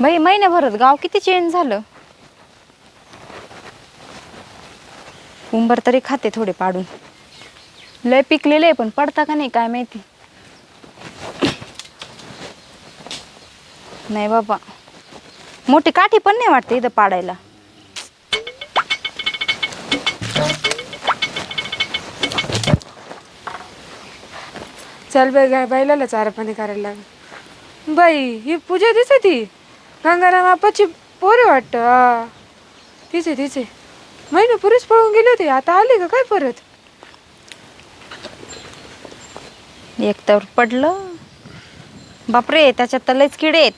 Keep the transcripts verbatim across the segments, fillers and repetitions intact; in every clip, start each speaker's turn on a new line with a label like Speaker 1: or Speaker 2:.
Speaker 1: बाई महिन्याभरात गाव किती चेंज झालं. उंबर तरी खाते थोडे पाडून. लय पिकलेले आहे पण पडता का नाही काय माहिती. नाही बाबा मोठी काठी पण नाही वाटते इथं पाडायला.
Speaker 2: चल बाई गाय बाईला चारा पाणी करायला लाग. बाई ही पूजा दिसती गंगाराम आपाची पोरे वाटत. हा तिचे तिचे महिने पुरेच पळून गेले होते. आता आली का काय परत.
Speaker 1: एक तर पडलं बापरे त्याच्यात तर लयच किडे आहेत.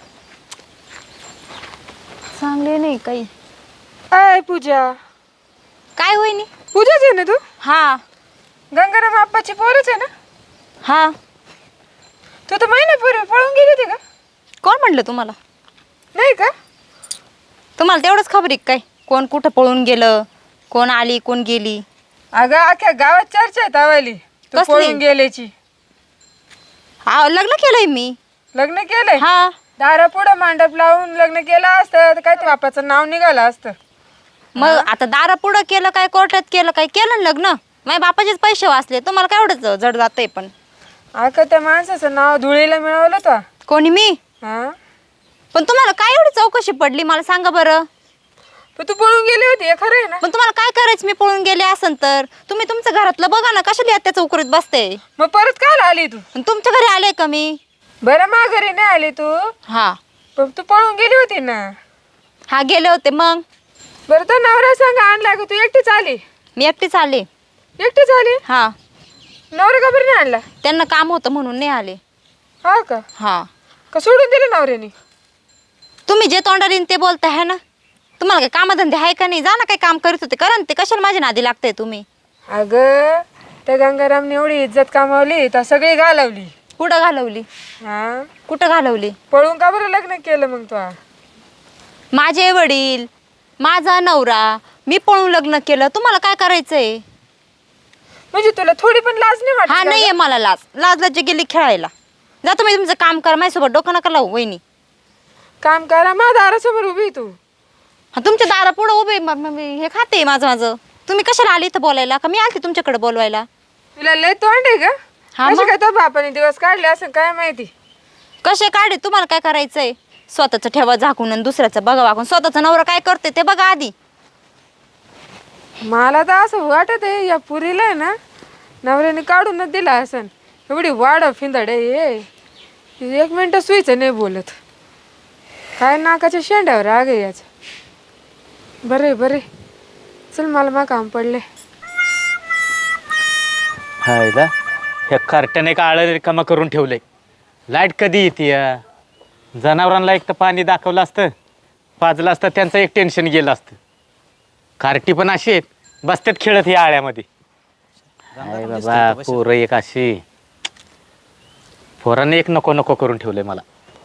Speaker 1: चांगले नाही काही.
Speaker 2: आय पूजा
Speaker 1: काय होईनी.
Speaker 2: पूजाच आहे ना तू.
Speaker 1: हा
Speaker 2: गंगाराम आपाची पोरच आहे ना.
Speaker 1: हा
Speaker 2: तू तर महिन्यापूर्वी पळून गेली होती का.
Speaker 1: कोण म्हणलं तुम्हाला.
Speaker 2: नाही का.
Speaker 1: तुम्हाला तेवढंच खबर आहे काय कोण कुठं पळून गेलं कोण आली कोण गेली.
Speaker 2: अगं अख्ख्या गावात चर्चा आहे तावाली तू
Speaker 1: कसली?
Speaker 2: पळून गेल्याची.
Speaker 1: हा लग्न केलंय मी.
Speaker 2: लग्न केलंय.
Speaker 1: हा
Speaker 2: दारा पुढं मांडप लावून लग्न केलं असतं तर काय ते बापाचं नाव निघालं असतं.
Speaker 1: मग आता दारा पुढं केलं काय कोर्टात केलं काय केलं ना लग्न. माझ्या बापाचेच पैसे वाचले तुम्हाला काय एवढं जड जातंय. पण
Speaker 2: अगं त्या माणसाचं नाव धुळीला मिळवलं तर.
Speaker 1: कोणी मी.
Speaker 2: हा
Speaker 1: पण तुम्हाला काय एवढी चौकशी पडली मला सांगा बरं.
Speaker 2: पण तू पळून गेली होती हे खरं आहे ना.
Speaker 1: पण तुम्हाला काय करायचं मी पळून गेले असन तर तुम्ही तुमच्या घरातलं बघा ना कशाला त्या चौकरीत बसते.
Speaker 2: मग परत काल आली तू.
Speaker 1: आणि तुमच्या घरी आले का मी.
Speaker 2: बरं माघारी नाही आली तू.
Speaker 1: हा
Speaker 2: पण तू पळून गेली होती ना.
Speaker 1: हा गेले होते मग.
Speaker 2: बरं तर नवरा सांग आणला का तू एकटीच आली.
Speaker 1: मी एकटीच आले.
Speaker 2: एकटीच आली.
Speaker 1: हा
Speaker 2: नवरा का बरं नाही आणला.
Speaker 1: त्यांना काम होतं म्हणून नाही आले.
Speaker 2: हा का.
Speaker 1: हा
Speaker 2: का सोडून दिलं नवऱ्याने.
Speaker 1: तुम्ही जे तोंडाला येईन ते बोलताय है ना. तुम्हाला काय कामधंदे आहे का नाही. जा ना काही काम करीत होते करा ना ते कशाला माझ्या नादी लागताय तुम्ही.
Speaker 2: अगं त्या गंगारामने एवढी इज्जत कमावली तर सगळी घालवली.
Speaker 1: कुठं घालवली.
Speaker 2: हा
Speaker 1: कुठं घालवली.
Speaker 2: पळून का बरं लग्न केलं मग तू.
Speaker 1: माझे वडील माझा नवरा मी पळून लग्न केलं तुम्हाला काय करायचंय.
Speaker 2: म्हणजे तुला थोडी पण लाज नाही वाटत.
Speaker 1: हा नाहीये मला लाज. लाज लाज गेली खेळायला. जा तुम्ही तुमचं काम करा माझ्यासोबत डोकं नका लावू वहिनी.
Speaker 2: काम करा माझ्या दारासमोर उभी तू.
Speaker 1: हा तुमच्या दारा पुढं उभे म- म- मी हे खाते माझं माझं. तुम्ही कशाला आली इथं बोलायला का मी आलते तुमच्याकडे बोलवायला.
Speaker 2: तुला लय तोंड आहे का.
Speaker 1: हा
Speaker 2: कसे
Speaker 1: मग?
Speaker 2: काय तो बापाने दिवस काढले असं काय माहिती.
Speaker 1: कसे काढे तुम्हाला काय करायचंय. स्वतःचं ठेवा झाकून आणि दुसऱ्याचं बघा वाकून. स्वतःचा नवरा काय करते ते बघा आधी.
Speaker 2: मला तर असं वाटत आहे या पुरीला आहे ना नवऱ्याने काढूनच दिला असन. एवढी वाढ फिंदड आहे हे. एक मिनटं सुईचं नाही बोलत. काय नाकाच्या शेंड्यावर आग आहे याच. बरे बरे चल मला मा काम पडले.
Speaker 3: हायला ह्या कार्ट्याने एक आळं रिकामा करून ठेवलंय. लाईट कधी येते. जनावरांना एक तर पाणी दाखवलं असतं पाजलं असतं त्यांचं एक टेन्शन गेलं असतं. कार्टी पण अशी आहेत बसतात खेळत ह्या आळ्यामध्ये. हाय बाबा पोरं एक अशी पोराने एक नको नको करून ठेवलंय मला.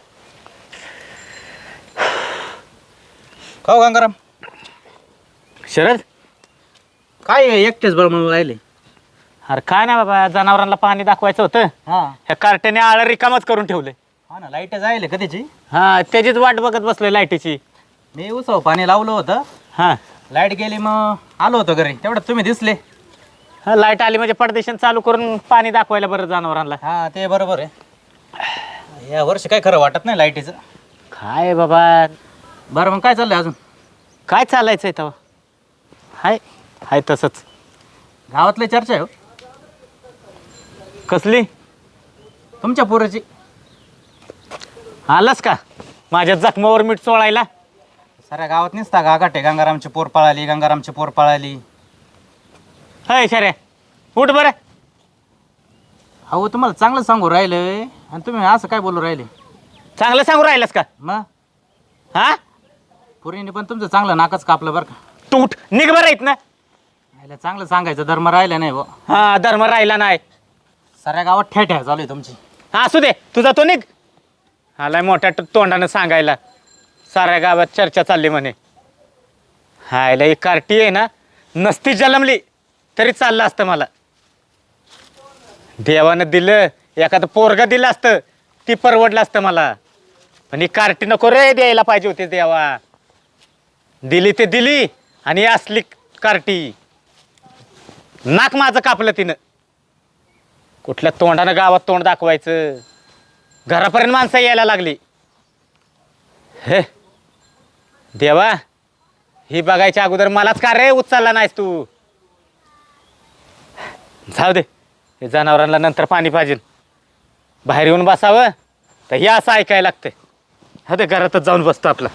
Speaker 4: खाऊ गंगाराम
Speaker 3: शरद
Speaker 4: काय एकटेच बरं म्हणून राहिले.
Speaker 3: अरे काय नाही बाबा जनावरांना पाणी दाखवायचं होतं.
Speaker 4: हा
Speaker 3: ह्या कार्ट्याने आळं रिकामच करून ठेवलंय.
Speaker 4: हा ना लाईट जायले कधीची.
Speaker 3: हा त्याचीच वाट बघत बसलोय लाईटीची.
Speaker 4: मी उसव पाणी लावलं होतं.
Speaker 3: हा
Speaker 4: लाईट गेली मग आलो होतो घरी तेवढ्यात तुम्ही दिसले.
Speaker 3: हा लाईट आली म्हणजे पडदेशन चालू करून पाणी दाखवायला बरं जनावरांना.
Speaker 4: हा ते बरोबर आहे. या वर्षी काय खरं वाटत नाही लाईटीचं.
Speaker 3: काय बाबा
Speaker 4: बरं मग काय चाललंय अजून.
Speaker 3: काय चालायचंय तेव्हा. हाय हाय तसंच.
Speaker 4: गावातली चर्चा आहे हो
Speaker 3: कसली.
Speaker 4: तुमच्या पोराची.
Speaker 3: आलास का माझ्या जखमावर मीठ चोळायला.
Speaker 4: साऱ्या गावात निसता गागाट आहे. गंगारामची पोर पळाली गंगारामची पोर पळाली.
Speaker 3: हाय शर्या उठ बरं.
Speaker 4: अहो तुम्हाला चांगलं सांगू राहिलंय आणि तुम्ही असं काय बोलू राहिले.
Speaker 3: चांगलं सांगू राहिलास का.
Speaker 4: मग
Speaker 3: हा
Speaker 4: पोरीने पण तुमचं चांगलं नाकच कापलं बरं का.
Speaker 3: तू उठ निघ बरं येत ना.
Speaker 4: राहिलं चांगलं सांगायचं धर्म राहिला नाही बुवा.
Speaker 3: हा धर्म राहिला नाही.
Speaker 4: साऱ्या गावात ठेठ्या चालू आहे तुमची.
Speaker 3: हा असू दे तुझा तो निघ. आलाय मोठ्या तो- तोंडानं सांगायला. साऱ्या गावात चर्चा चालली म्हणे. हायला एक कार्टी आहे ना नसती जन्मली तरी चाललं असतं मला. देवानं दिलं एखादं पोरगं दिलं असतं ती परवडलं असतं मला. पण ही कार्टी नको रे द्यायला पाहिजे होती देवा. दिली ते दिली आणि ही असली कार्टी. नाक माझं कापलं तिनं. कुठल्या तोंडानं गावात तोंड दाखवायचं. घरापर्यंत माणसं यायला लागली. हे देवा, ही बघायच्या अगोदर मलाच का रे उचलला नाहीस तू. जाऊ दे, हे जनावरांना नंतर पाणी पाहिजे. बाहेर येऊन बसावं तर हे असं ऐकायला लागतंय. हा ते घरातच जाऊन बसतो आपला.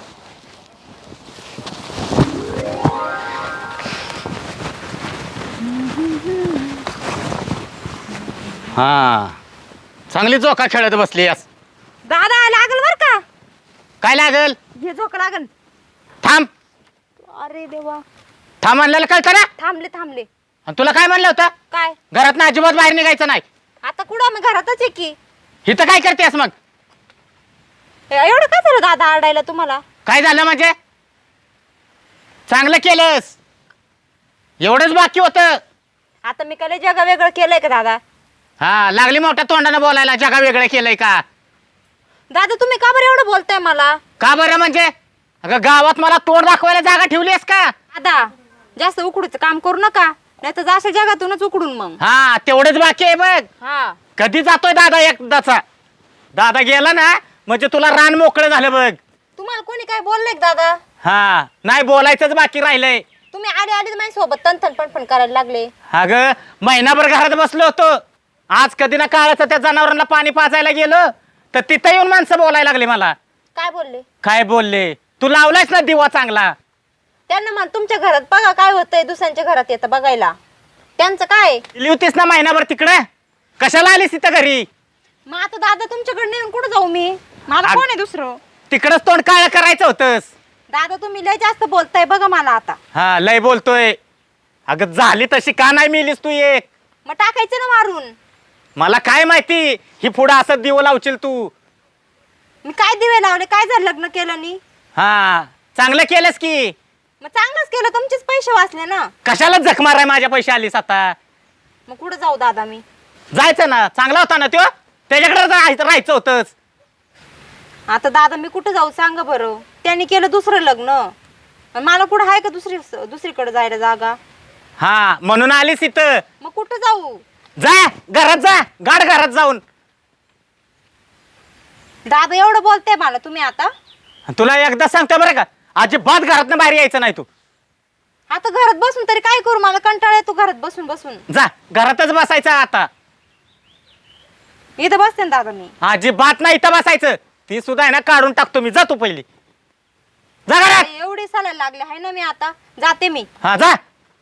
Speaker 3: हा, चांगली झोका खेळत बसली यास.
Speaker 1: दादा लागल बर का.
Speaker 3: काय लागल?
Speaker 1: हे झोक लागल.
Speaker 3: थांब
Speaker 1: अरे देवा.
Speaker 3: थांब म्हणलेलं कळतं ना.
Speaker 1: थांबले थांबले.
Speaker 3: आणि तुला काय म्हणलं होतं?
Speaker 1: काय?
Speaker 3: घरात ना अजिबात बाहेर निघायचं नाही.
Speaker 1: आता कुठं आम्ही घरातच आहे की.
Speaker 3: इथं काय करतेस मग?
Speaker 1: एवढं काय झालं दादा आरडायला तुम्हाला?
Speaker 3: काय झालं म्हणजे? चांगलं केलंस, एवढंच बाकी होतं.
Speaker 1: आता मी काय जगा वेगळं केलंय का दादा?
Speaker 3: हा, लागली मोठ्या तोंडानं बोलायला. जगा वेगळं केलंय का?
Speaker 1: दादा तुम्ही का बरं एवढं बोलताय मला?
Speaker 3: का बरं म्हणजे? अगं गावात मला तोंड दाखवायला जागा ठेवलीस का?
Speaker 1: दादा जास्त उकडूचं काम करू नका, नाही तर जास्त जगातूनच उकडून मग.
Speaker 3: हा, तेवढंच बाकी आहे बघ.
Speaker 1: हा.
Speaker 3: कधी जातोय दादा एकदाचा? दादा गेला ना म्हणजे तुला रान मोकळं झालं बघ.
Speaker 1: तुम्हाला कोणी काय बोललंय का दादा?
Speaker 3: हा, नाही बोलायचंच बाकी राहिलंय.
Speaker 1: तुम्ही आले आले माझ्या सोबत तनतन पण पण करायला लागले.
Speaker 3: अगं महिनाभर घरात बसलो होतो. आज कधी ना काळाचं त्या जनावरांना पाणी पाजायला गेलो तर तिथं येऊन माणसं बोलायला लागली मला.
Speaker 1: काय बोलले?
Speaker 3: काय बोलले? तू लावलायस ना दिवा चांगला.
Speaker 1: त्यांना म्हण तुमच्या घरात बघा काय होतंय, दुसऱ्यांच्या घरात येतं बघायला. त्यांचं काय?
Speaker 3: गेली होतीस ना महिनाभर तिकडे, कशाला आलीस तिथं घरी?
Speaker 1: मग आता दादा तुमच्याकडे नेऊन कुठं जाऊ मी? मला
Speaker 3: अग-
Speaker 1: कोण आहे दुसरं?
Speaker 3: तिकडच तोंड काळ करायचं होतंस.
Speaker 1: दादा तुम्ही लय जास्त बोलताय बघा मला आता.
Speaker 3: हा, लय बोलतोय. अगं झाली तशी का नाही मिलीस तू एक?
Speaker 1: मग टाकायचं ना मारून.
Speaker 3: मला काय माहिती ही पुढं असं दिवं लावशील तू.
Speaker 1: मी काय दिवे लावले? काय झालं लग्न केलं नी?
Speaker 3: हा, चांगलं केलंस की.
Speaker 1: मग चांगलंच केलं, तुमचेच पैसे वाचले ना.
Speaker 3: कशाला जख माराय माझ्या पैसे आलीस आता?
Speaker 1: मग कुठं जाऊ दादा मी?
Speaker 3: जायचं ना, चांगला होता ना तो, त्याच्याकडे राहायचं राहायचं होतंच.
Speaker 1: आता दादा मी कुठं जाऊ सांगा बरं? त्यांनी केलं दुसरं लग्न, आणि मला कुठं आहे का दुसरी दुसरीकडे जायला जागा?
Speaker 3: हा, म्हणून आलीस इथं.
Speaker 1: मग कुठं जाऊ?
Speaker 3: जा घरात जा, गाड घरात जाऊन.
Speaker 1: दादा एवढं बोलताय मला तुम्ही आता?
Speaker 3: तुला एकदा सांगतो बरं का, अजिबात घरातनं बाहेर यायचं नाही तू.
Speaker 1: आता घरात बसून तरी काय करू? मला कंटाळा येतो घरात बसून बसून.
Speaker 3: जा घरातच बसायचं आता.
Speaker 1: इथं बसते ना दादा मी.
Speaker 3: अजिबात नाही इथं बसायचं. ती सुद्धा आहे ना काढून टाकतो मी. जा तू पहिली, जा घरात.
Speaker 1: एवढी चालायला लागले आहे ना मी, आता जाते मी.
Speaker 3: हा जा.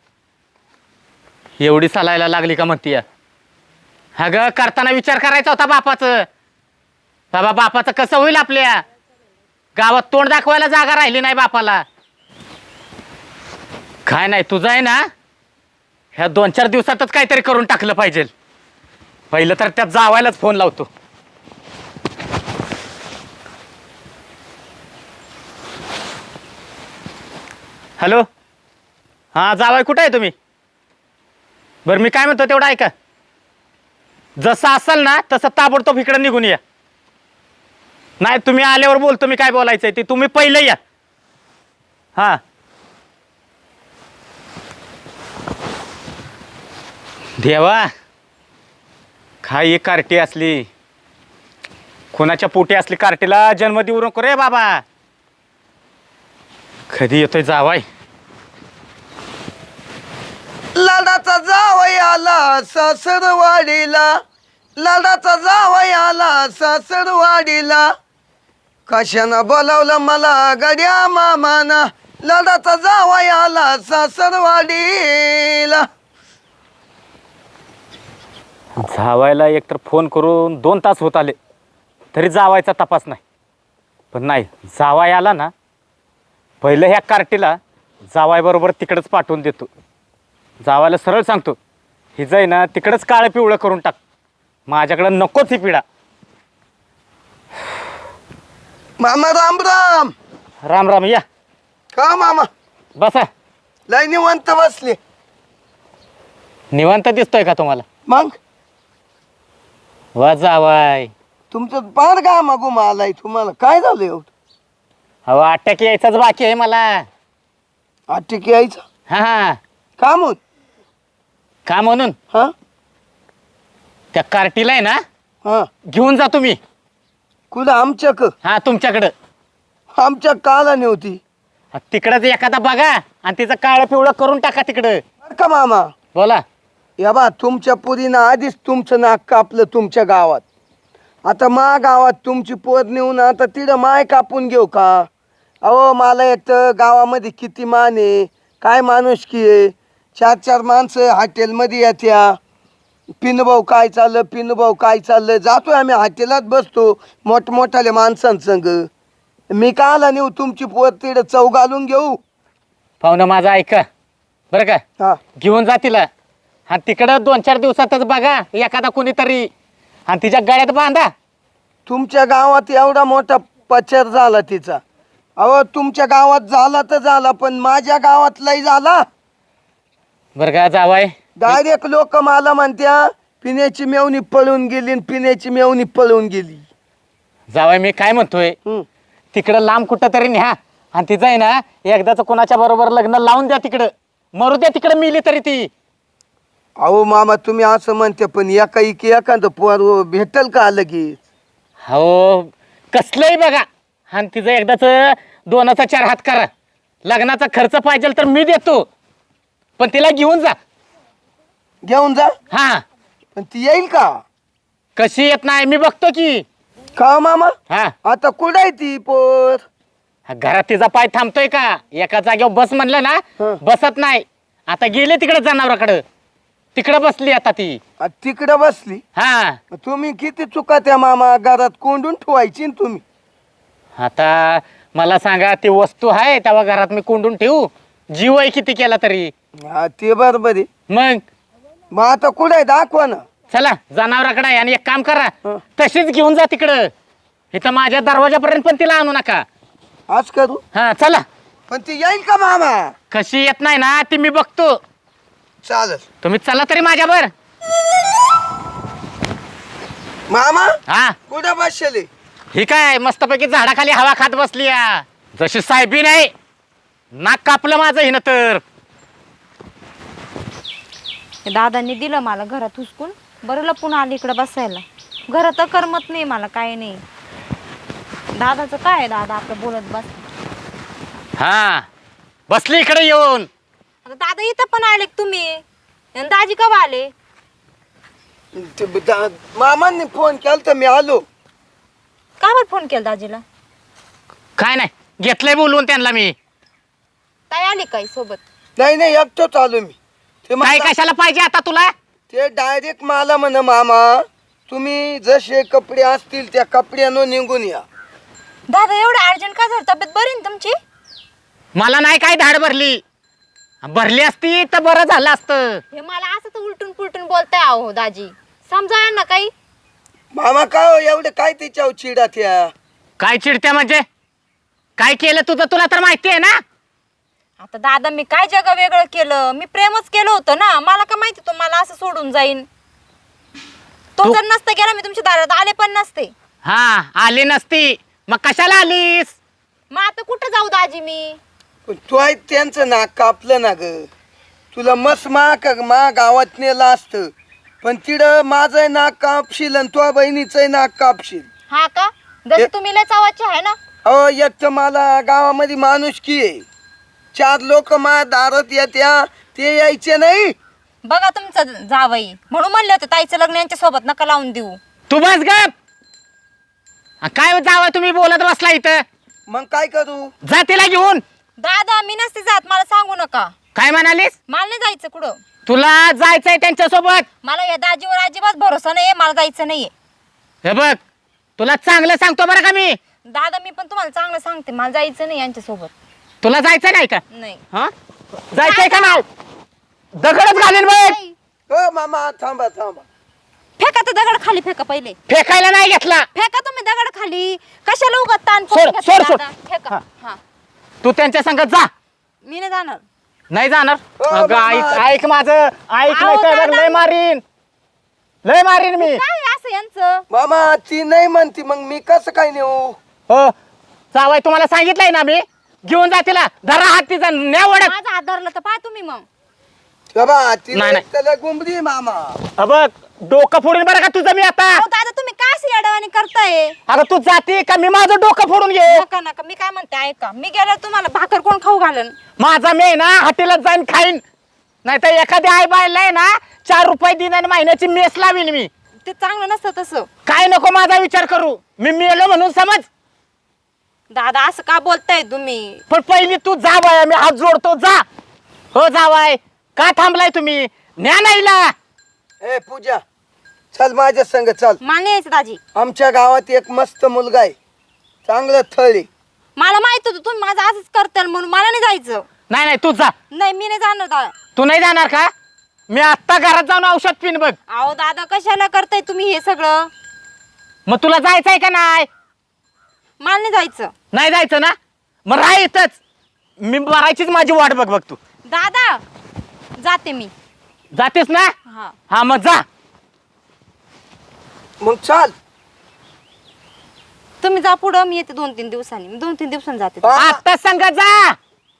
Speaker 3: एवढी चालायला लागली का म्हणती? अगं करताना विचार करायचा होता बापाचं. बाबा बापाचं कसं होईल? आपल्या गावात तोंड दाखवायला जागा राहिली नाही बापाला. काय नाही, तुझं आहे ना ह्या दोन चार दिवसातच काहीतरी करून टाकलं पाहिजे. पहिलं तर त्यात जावायलाच फोन लावतो. हॅलो, हां जावाय कुठं आहे तुम्ही? बरं मी काय म्हणतो तेवढं ऐका. जसं असेल ना तसं ताबडतोब इकडं निघून या. नाही तुम्ही आल्यावर बोलतो मी काय बोलायचंय ते. तुम्ही पहिले या. हां देवा, काय ही कार्टी असली, कोणाच्या पोटी असली कार्टीला जन्म देऊ नको रे बाबा. कधी येतोय जावाय?
Speaker 5: लाडाचा जावई आला सासरवाडीला, लाडाचा जावई आला सासरवाडीला, कशानं बोलावलं मला गड्या मामाना, लाडाचा जावई आला सासरवाडीला.
Speaker 3: जावायला एकतर फोन करून दोन तास होत आले तरी जावायचा तपास नाही. पण नाही, जावाय आला ना पहिलं ह्या कार्टीला जावायबरोबर तिकडंच पाठवून देतो. जावायला सरळ सांगतो, ही जाई ना तिकडंच काळं पिवळं करून टाक. माझ्याकडं नकोच ही पिढा.
Speaker 5: मामा राम राम.
Speaker 3: राम राम. या
Speaker 5: का मामा
Speaker 3: बसा.
Speaker 5: लय निवांत बसले.
Speaker 3: निवांत दिसतोय का तुम्हाला?
Speaker 5: मग
Speaker 3: वा जावाय,
Speaker 5: तू तुमचं पार का मागून आलाय तुम्हाला काय झालं एवढं
Speaker 3: अहो अटॅक यायचाच बाकी आहे मला.
Speaker 5: आटिक यायचं
Speaker 3: हा हा
Speaker 5: का म्हणून
Speaker 3: का म्हणून
Speaker 5: हा
Speaker 3: त्या कार्टीला आहे ना
Speaker 5: हा
Speaker 3: घेऊन जा तुम्ही.
Speaker 5: कुठं आमच्याक
Speaker 3: हा तुमच्याकडं
Speaker 5: आमच्या काला नव्हती
Speaker 3: तिकडंच एखादा बघा आणि तिचं काळं पिवळं करून टाका तिकडं.
Speaker 5: बरं का मामा
Speaker 3: बोला.
Speaker 5: या बा तुमच्या पुरीनं आधीच तुमचं नाक कापलं तुमच्या गावात. आता मा गावात तुमची पोर नेऊन आता तिथं माय कापून घेऊ का? अहो मला येतं गावामध्ये किती मान आहे काय माणुसकी आहे. चार चार माणसं हॉटेलमध्ये येत्या पिनभाऊ काय चाललं पिनभाऊ काय चाललं जातोय आम्ही हॉटेलात बसतो मोठमोठाल्या माणसांसंग. मी का आला नेऊ तुमची पोर तिथं चव घालून घेऊ.
Speaker 3: पाहुणं माझं ऐका बरं का.
Speaker 5: हा
Speaker 3: घेऊन जा तिला आणि तिकडं दोन चार दिवसातच बघा एखादा कोणीतरी आणि तिच्या गळ्यात बांधा.
Speaker 5: तुमच्या गावात एवढा मोठा पचर झाला तिचा. अहो तुमच्या गावात झाला तर झाला पण माझ्या गावात लय झाला.
Speaker 3: बरं का जावाय.
Speaker 5: डायरेक्ट लोक मला म्हणत्या पिण्याची मेवणी पळून गेली आणि पिण्याची मेवणी पळून गेली.
Speaker 3: जावाय मी काय म्हणतोय
Speaker 5: हं.
Speaker 3: तिकडं लांब कुठं तरी न्या आणि तिचं आहे ना एकदाच कोणाच्या बरोबर लग्न लावून द्या तिकडं. मरू द्या तिकडं मिली तरी ती.
Speaker 5: अहो मामा तुम्ही असं म्हणते पण एका इकी एखादं पोर भेटल का लगेच.
Speaker 3: हो कसलंही बघा आणि तिचं एकदाच दोनाचा चार हात करा. लग्नाचा खर्च पाहिजे तर मी देतो पण तिला घेऊन जा.
Speaker 5: घेऊन जा
Speaker 3: हा
Speaker 5: पण ती येईल का?
Speaker 3: कशी येत नाही मी बघतो की.
Speaker 5: का मामा
Speaker 3: हा
Speaker 5: आता कुठं आहे ती पोर?
Speaker 3: घरात तिचा पाय थांबतोय का? एका जागेवर बस म्हणलं ना
Speaker 5: हं.
Speaker 3: बसत नाही. आता गेले तिकडे जनावराकडं तिकडं बसली आता ती.
Speaker 5: आ, तिकडं बसली.
Speaker 3: हा
Speaker 5: तुम्ही किती चुका त्या मामा घरात कोंडून ठेवायची ना तुम्ही.
Speaker 3: आता मला सांगा ती वस्तू आहे तेव्हा घरात मी कोंडून ठेवू? जीव आहे किती केला तरी.
Speaker 5: हा ते बरोबर आहे.
Speaker 3: मग
Speaker 5: मग आता कुठं आहे दाखवा ना.
Speaker 3: चला जनावराकडे आहे आणि एक काम करा
Speaker 5: हं.
Speaker 3: तशीच घेऊन जा तिकडं. इथं माझ्या दरवाजापर्यंत पण तिला आणू नका.
Speaker 5: आज करू
Speaker 3: हा चला.
Speaker 5: पण ती येईल का मामा?
Speaker 3: कशी येत नाही ना ती मी बघतो.
Speaker 5: चालेल
Speaker 3: तुम्ही चला तरी माझ्यावर.
Speaker 5: मामा
Speaker 3: हा
Speaker 5: कुठं बसले?
Speaker 3: ही काय मस्तपैकी झाडाखाली हवा खात बसली या. जशी साहेबी नाही नाक कापलं माझं हिनं तर.
Speaker 1: दादांनी दिलं मला घरात हुसकून. बरं लपून आली इकडं बसायला. घरात करमत नाही मला काय नाही. दादाचं काय आहे, दादा आपलं बोलत बस.
Speaker 3: हा बसली इकडे येऊन.
Speaker 1: आता दादा इथं पण आले का तुम्ही? आणि दाजी कवा आले?
Speaker 5: ते दा- मामांनी फोन केला तर मी आलो.
Speaker 1: का बरं फोन केला दाजीला?
Speaker 3: काय नाही घेतलंय बोलवून त्यांना मी.
Speaker 1: ताई आली काय सोबत?
Speaker 5: नाही नाही एकटोच आलो मी. ते
Speaker 3: काय
Speaker 5: मला-
Speaker 3: कशाला पाहिजे आता तुला?
Speaker 5: ते डायरेक्ट मला म्हण मामा तुम्ही जसे कपडे असतील त्या कपड्यानं निघून या.
Speaker 1: दादा एवढं अर्जंट का झालं? तब्येत बरी ना तुमची?
Speaker 3: मला नाही काय धाड भरली. भरली असती तर बरं झालं असतं.
Speaker 1: हे मला असं तर उलटून पुलटून बोलताय अहो दाजी. समजा ना काही.
Speaker 5: मामा काय हो एवढं काय तिच्यावर चिडा त्या?
Speaker 3: काय चिडत्या म्हणजे? काय केलं तुझं तुला तर माहिती आहे ना.
Speaker 1: आता दादा मी काय जग वेगळं केलं? मी प्रेमच केलं होतं ना. मला का माहिती तो मला असं सोडून जाईन. तो
Speaker 3: तू-
Speaker 1: जर नसता गेला मी तुमच्या दारात आले पण नसते.
Speaker 3: हा आली नसती मग कशाला आलीस?
Speaker 1: मग आता कुठं जाऊ दाजी मी?
Speaker 5: पण तू आहे त्यांचं नाक कापलं ना ग. तुला मस्त मा मा गावात नेलं असतं पण तिकडं माझं नाक कापशील आणि तुझ्या बहिणीचं नाक कापशील.
Speaker 1: हा का? जसे
Speaker 5: ए-
Speaker 1: तुम्ही लय चावाचे आहे ना.
Speaker 5: अहो एक तर मला गावामध्ये माणुसकी आहे. चार लोक मा दारात येत्या ते यायचे नाही.
Speaker 1: बघा तुमचं जावई म्हणून म्हणले होते ताईचं लग्न यांच्या सोबत नका लावून देऊ.
Speaker 3: तू बस गप. आ, काय जावं तुम्ही बोलत बसला इथं.
Speaker 5: मग काय करू?
Speaker 3: जा तिला घेऊन.
Speaker 1: दादा मी नसते जात. मला सांगू नका.
Speaker 3: काय म्हणालीस?
Speaker 1: मला नाही जायचं कुठं.
Speaker 3: तुला जायचंय त्यांच्या सोबत.
Speaker 1: मला या दाजीवर अजिबात भरोसा नाहीये. मला जायचं नाहीये.
Speaker 3: हे बघ तुला चांगलं सांगतो बरं का मी.
Speaker 1: दादा मी पण तुम्हाला चांगलं सांगते. मला जायचं नाही यांच्या सोबत.
Speaker 3: तुला जायचं नाही का?
Speaker 1: नाही.
Speaker 3: हा जायचंय का नाही? दगडच घालीन बघ.
Speaker 5: हो मामा थांबा थांबा.
Speaker 1: फेका तर दगड खाली फेका पहिले.
Speaker 3: फेकायला नाही घेतला.
Speaker 1: फेका तुम्ही दगड खाली. कशाला उगाच ताण
Speaker 3: सोड,
Speaker 1: करून घेता
Speaker 3: सोड, सोड.
Speaker 1: दादा? फेका. हा.
Speaker 3: तू त्यांच्या संगत जा.
Speaker 1: मी नाही जाणार.
Speaker 3: नाही जाणार.
Speaker 5: हो,
Speaker 3: अगं,
Speaker 5: बाबा.
Speaker 3: ऐक ऐक माझं ऐक
Speaker 1: अहो,
Speaker 3: नाही तर
Speaker 1: दादा.
Speaker 3: लय मारीन लय मारीन मी.
Speaker 1: काय असं यांचं.
Speaker 5: मामा ती नाही म्हणती मग मी कसं काय नेऊ?
Speaker 3: हो जावाय तुम्हाला सांगितलंय ना मी घेऊन जा तिला धरा हात तिचा न्या ओढत
Speaker 1: माझा हात धरला तर पाहा तुम्ही मग.
Speaker 5: बाबा ती
Speaker 3: नाही, नाही.
Speaker 5: त्याला गुंबडी आहे मामा.
Speaker 3: बघ डोकं फोडून बरं का तुझं मी आता.
Speaker 1: अहो दादा तुम्ही काय अशी येडवाणी करताय?
Speaker 3: अगं तू जाते का मी माझं डोकं फोडून घे.
Speaker 1: नका नका मी काय म्हणते ऐका, मी गेल्यावर तुम्हाला भाकर कोण खाऊ घालन?
Speaker 3: माझा मी आहे ना हॉटेलात जाईन खाईन नाही तर एखाद्या आई बायला आहे ना चार रुपये दिन आणि महिन्याची मेस लावीन मी.
Speaker 1: ते चांगलं नसतं तसं.
Speaker 3: काय नको माझा विचार करू मी मेलो म्हणून समज.
Speaker 1: दादा असं का बोलताय तुम्ही?
Speaker 3: पण पहिली तू जा बाया मी हात जोडतो जा. हो जावाय का थांबलाय तुम्ही न्या नाहीला.
Speaker 5: ए पूजा चल माझ्या संग चल.
Speaker 1: मला नाही यायचं दाजी.
Speaker 5: आमच्या गावात एक मस्त मुलगा आहे चांगलं थळी.
Speaker 1: मला माहित होतं तुम्ही माझं असंच करताल म्हणून मला नाही जायचं.
Speaker 3: नाही नाही तू जा.
Speaker 1: नाही मी नाही जाणार दादा.
Speaker 3: तू नाही जाणार का? मी आत्ता घरात जाऊन औषध पिन बघ.
Speaker 1: अहो दादा कशाला करताय तुम्ही हे सगळं?
Speaker 3: मग तुला जायचंय का नाही?
Speaker 1: मला नाही जायचं.
Speaker 3: नाही जायचं ना मग राह इथंच. मी मरायचीच माझी वाट बघ बघ तू.
Speaker 1: दादा जाते मी.
Speaker 3: जातेस ना?
Speaker 1: हा
Speaker 3: हा मग जा.
Speaker 5: मग चाल.
Speaker 1: तुम्ही जा पुढं, मी येते दोन तीन दिवसांनी. मी दोन तीन दिवसांनी जाते.
Speaker 5: हा.
Speaker 3: आत्ता संग जा.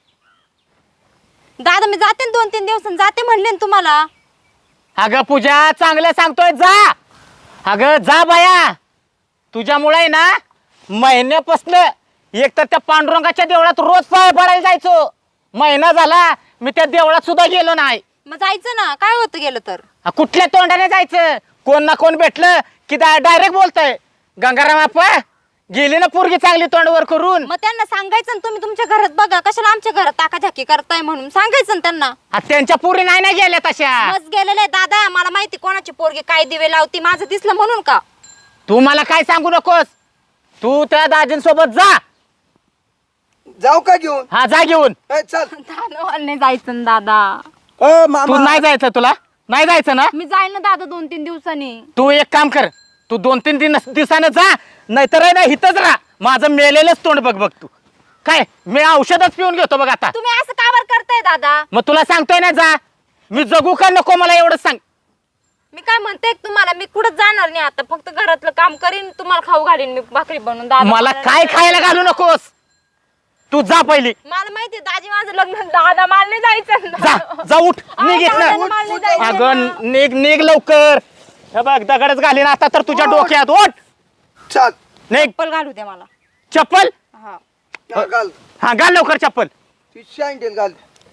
Speaker 1: दादा मी जाते ना दोन तीन दिवसांनी जाते म्हणले ना तुम्हाला.
Speaker 3: अगं पूजा चांगलं सांगतोय जा. अगं जा बाया तुझ्यामुळे ना महिन्यापासून एक तर त्या पांडुरंगाच्या देवळात रोज पाय पडायला जायचो. महिना झाला मी त्या देवळात सुद्धा गेलो नाही.
Speaker 1: मग जायचं ना, काय होतं गेलं तर?
Speaker 3: हा, कुठल्या तोंडाने जायचं? कोण ना कोण भेटलं की डायरेक्ट बोलतय गंगाराम आप्पा गेली ना पोरगी चांगली तोंडवर करून.
Speaker 1: मग त्यांना सांगायचं ना तुम्ही तुमच्या घरात बघा, कशाला आमच्या घरात टाकाझाकी करताय म्हणून सांगायचं ना त्यांना.
Speaker 3: हा, त्यांच्या पोरी नाही ना गेल्या तशा.
Speaker 1: मस्त गेलेले दादा, मला माहिती कोणाची पोरगी काय दिवे लावती, माझं दिसलं म्हणून का?
Speaker 3: तू मला काय सांगू नकोस. तू त्या दाजींसोबत जा.
Speaker 5: जाऊ का घेऊन?
Speaker 3: हा जा घेऊन.
Speaker 5: ए, चल.
Speaker 1: दादा मला नाही जायचं ना दादा.
Speaker 5: अ
Speaker 3: तू
Speaker 5: मामा
Speaker 3: नाही जायचं तुला नाही जायचं ना.
Speaker 1: मी जाईन ना दादा दोन तीन दिवसांनी.
Speaker 3: तू एक काम कर तू दोन तीन दिन दिवसानं जा नाहीतर आहे ना हिथंच राहा. माझं मेलेलंच तोंड बघ बघ तू. काय मी औषधच पिऊन घेतो बघ आता.
Speaker 1: तुम्ही असं का बरं करताय दादा?
Speaker 3: मग तुला सांगतोय ना जा. मी जगू का नको मला एवढंच सांग.
Speaker 1: मी काय म्हणते तुम्हाला, मी कुठं जाणार नाही आता, फक्त घरातलं काम करीन, तुम्हाला खाऊ घालीन मी भाकरी बनवून. दादा
Speaker 3: मला
Speaker 1: नाही
Speaker 3: काय
Speaker 1: जायचं.
Speaker 3: खायला घालू नकोस. तू जा पहिली.
Speaker 1: मला माहिती दाजी माझं लग्न. दादा मला नाही जायचं ना.
Speaker 3: जा जा उठ
Speaker 1: अहो,
Speaker 3: निघ
Speaker 1: दादा,
Speaker 3: इथनं.
Speaker 1: मला नाही जायचं
Speaker 3: अगं
Speaker 1: ना.
Speaker 3: निघ निघ लवकर. हे बघ दगडच घालीन आता तर तुझ्या डोक्यात. ओठ
Speaker 5: चल.
Speaker 3: निघ.
Speaker 1: चप्पल घालू दे मला.
Speaker 3: चप्पल
Speaker 1: हा
Speaker 5: हा, घाल.
Speaker 3: हा घाल लवकर चप्पल.
Speaker 5: ती सँडल घाल.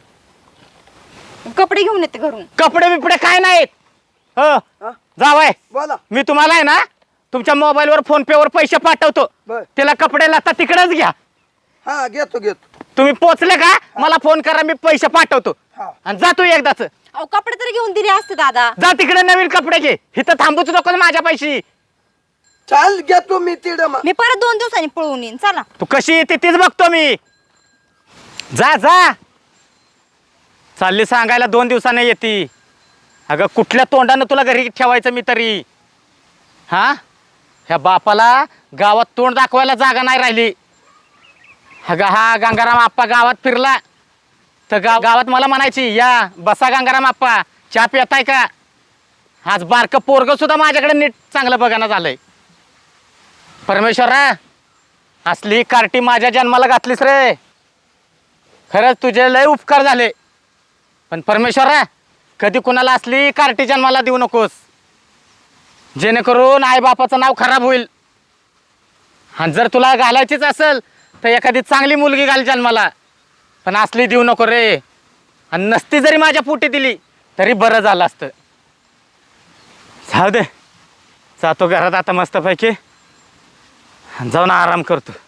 Speaker 1: कपडे घेऊन येते घरून.
Speaker 3: कपडे बिपडे काय नाहीत. हो
Speaker 5: हा?
Speaker 3: जावाय
Speaker 5: बोला.
Speaker 3: मी तुम्हाला आहे ना तुमच्या मोबाईलवर फोन पे वर पैसे पाठवतो.
Speaker 5: बर.
Speaker 3: त्याला कपडे लागतात तिकडेच घ्या.
Speaker 5: हा घेतो घेतो.
Speaker 3: तुम्ही पोचले का मला फोन करा मी पैसे पाठवतो.
Speaker 5: हा.
Speaker 3: आणि जा तू एकदाच.
Speaker 1: अहो कपडे तरी घेऊन दिले असते दादा.
Speaker 3: जा तिकडे नवीन कपडे घे. इथं थांबूच नको माझ्या पैशी.
Speaker 5: चाल घेतो मी तिकडं मग.
Speaker 1: मी परत दोन दिवसांनी पळून येईन. चला.
Speaker 3: तू कशी येते तीच बघतो मी. जा जा चालली सांगायला दोन दिवसाने येते. अगं कुठल्या तोंडानं तुला घरी ठेवायचं मी तरी. हा ह्या बापाला गावात तोंड दाखवायला जागा नाही राहिली. अगं हा गंगाराम आप्पा गावात फिरला तर गाव गावात मला म्हणायची या बसा गंगाराम आप्पा चहा पिताय का. आज बारकं पोरग सुद्धा माझ्याकडे नीट चांगलं बघायला झालंय. परमेश्वरा असली कार्टी माझ्या जन्माला घातलीस रे. खरंच तुझे लय उपकार झाले. पण परमेश्वरा कधी कुणाला असली कार्टी जन्माला देऊ नकोस जेणेकरून आई बापाचं नाव खराब होईल. आणि जर तुला घालायचीच असेल तर एखादी चांगली मुलगी घाल जन्माला. पण असली देऊ नको रे. आणि नसती जरी माझ्या पोटी दिली तरी बरं झालं असतं. जाऊ दे जातो घरात आता मस्तपैकी जाऊन आराम करतो.